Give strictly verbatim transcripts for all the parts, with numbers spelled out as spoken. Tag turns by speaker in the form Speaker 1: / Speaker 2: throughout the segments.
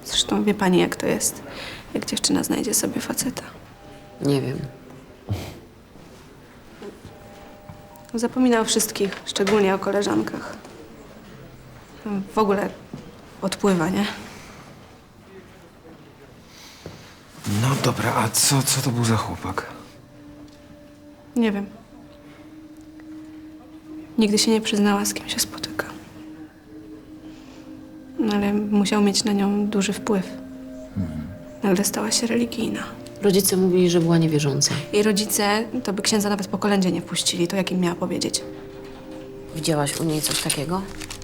Speaker 1: Zresztą wie pani, jak to jest, jak dziewczyna znajdzie sobie faceta.
Speaker 2: Nie wiem.
Speaker 1: Zapomina o wszystkich, szczególnie o koleżankach. W ogóle odpływa, nie?
Speaker 3: No dobra, a co, co to był za chłopak?
Speaker 1: Nie wiem. Nigdy się nie przyznała, z kim się spotyka. No ale musiał mieć na nią duży wpływ. Nagle stała się religijna.
Speaker 2: Rodzice mówili, że była niewierząca.
Speaker 1: Jej rodzice to by księdza nawet po kolędzie nie wpuścili. To jak im miała powiedzieć?
Speaker 2: Widziałaś u niej coś takiego?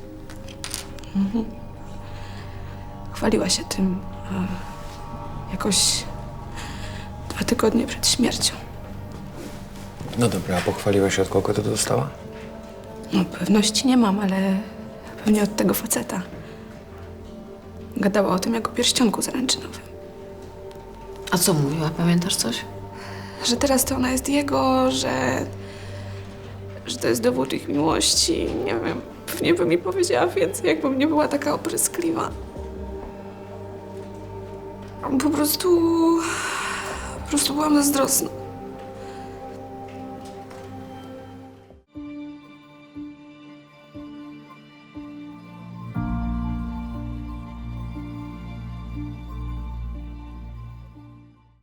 Speaker 1: Chwaliła się tym a jakoś dwa tygodnie przed śmiercią.
Speaker 3: No dobra, a pochwaliła się, od kogo to dostała?
Speaker 1: No pewności nie mam, ale pewnie od tego faceta. Gadała o tym jak o pierścionku zaręczynowym.
Speaker 2: A co mówiła? Pamiętasz coś?
Speaker 1: Że teraz to ona jest jego, że... że to jest dowód ich miłości. Nie wiem, pewnie by mi powiedziała więcej, jakbym nie była taka opryskliwa. Po prostu... po prostu byłam zazdrosna.